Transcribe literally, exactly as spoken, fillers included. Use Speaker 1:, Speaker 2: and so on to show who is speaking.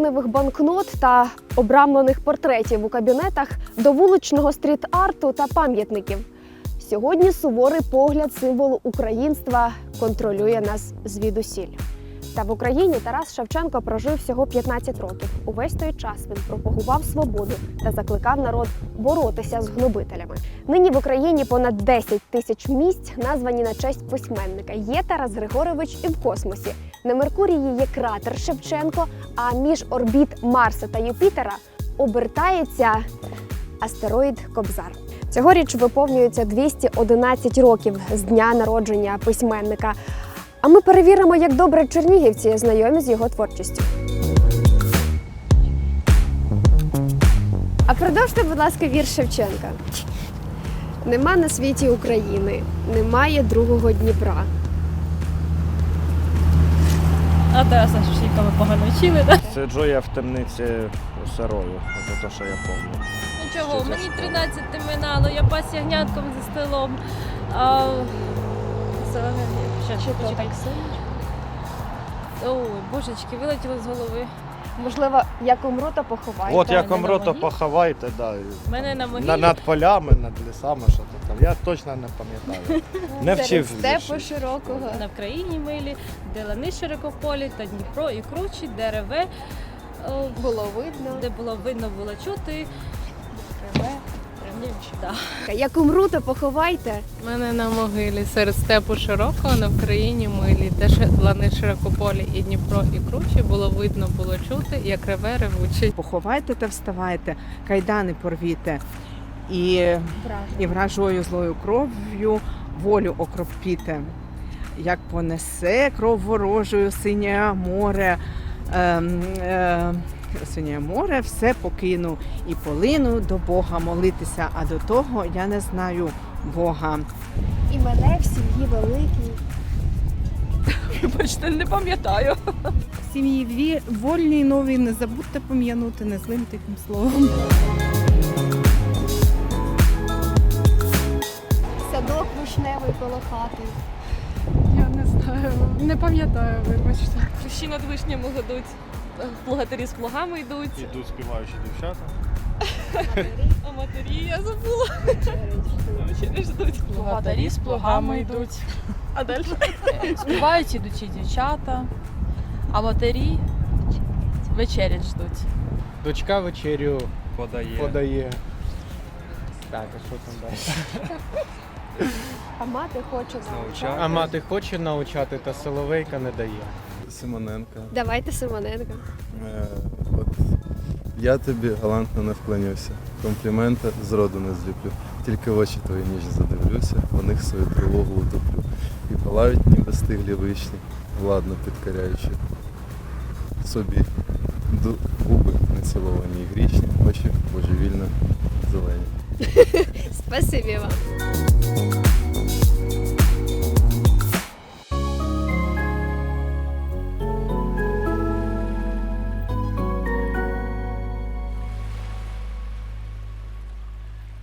Speaker 1: гривневих банкнот та обрамлених портретів у кабінетах до вуличного стріт-арту та пам'ятників. Сьогодні суворий погляд символу українства контролює нас звідусіль. Та в Україні Тарас Шевченко прожив всього п'ятнадцять років. Увесь той час він пропагував свободу та закликав народ боротися з гнобителями. Нині в Україні понад десять тисяч місць названі на честь письменника. Є Тарас Григорович і в космосі. На Меркурії є кратер Шевченко, а між орбіт Марса та Юпітера обертається астероїд Кобзар. Цьогоріч виповнюється двісті одинадцять років з дня народження письменника. А ми перевіримо, як добре чернігівці знайомі з його творчістю. А продовжте, будь ласка, вірш Шевченка. Нема на світі України, немає другого Дніпра.
Speaker 2: А Тараса Шевченка ми погано вчили, так?
Speaker 3: Сиджу я в темниці сирою, це те, що я пам'ятаю.
Speaker 2: Ну чого,
Speaker 3: Що
Speaker 2: мені
Speaker 3: це?
Speaker 2: тринадцять минало, я пас ягнятком за столом. А... Що,
Speaker 1: Чи то
Speaker 2: почекай.
Speaker 1: так сильно?
Speaker 2: Ой, божечки, вилетіло з голови.
Speaker 1: Можливо, як умру, то поховайте.
Speaker 3: От як
Speaker 2: мене
Speaker 3: умру,
Speaker 2: на
Speaker 3: то
Speaker 2: могилі?
Speaker 3: поховайте, да.
Speaker 2: Мене на могилі.
Speaker 3: На, над полями, над лісами, що то там. Я точно не пам'ятаю. Не вчив
Speaker 1: Серед степу
Speaker 3: вірші.
Speaker 1: широкого.
Speaker 2: На Вкраїні милі, де лани широкополі, та Дніпро і кручі, де реве, о,
Speaker 1: Було видно.
Speaker 2: де було видно, було чути. Реве, реве, да.
Speaker 1: Як умру, то поховайте.
Speaker 4: Мене на могилі серед степу широкого на Вкраїні милі, де ще лани широкополі і Дніпро і кручі, було видно, було чути, як реве ревучий.
Speaker 5: Поховайте та вставайте, кайдани порвіте, і, і вражою злою кров'ю волю окропіте. Як понесе кров ворожою синє море, е, е, синє море, все покину і полину до Бога молитися, а до того я не знаю Бога.
Speaker 1: І мене в сім'ї великій.
Speaker 4: Бачите, не пам'ятаю.
Speaker 6: Сім'ї дві вольні й нові, не забудьте пом'янути незлим тихим словом.
Speaker 1: Садок вишневий коло хати.
Speaker 4: Я не знаю, не пам'ятаю, вибачте. Хрещі над вишнями гудуть, плугатирі з плугами йдуть,
Speaker 3: Ідуть співаючі дівчата.
Speaker 4: а матері я забула. Вечері ждуть.
Speaker 7: Плугатарі з плугами йдуть.
Speaker 4: А далі?
Speaker 7: Співають ідучі дівчата, а матері вечерять ждуть.
Speaker 8: Дочка вечерю
Speaker 3: Подає.
Speaker 8: подає. Так, а що там далі?
Speaker 1: А мати хоче навчати.
Speaker 8: А мати хоче навчати, та соловейка не дає.
Speaker 9: Симоненко.
Speaker 1: Давайте Симоненко.
Speaker 9: Е, от я тобі галантно не вклонюся, комплімента зроду не зліплю, тільки в очі твої ніжні задивлюся, в них свою тривогу утоплю. І палають ніби стиглі вишні, владно підкоряючи собі ду- губи неціловані і грішні, очі божевільно зелені.
Speaker 1: Спасибі вам.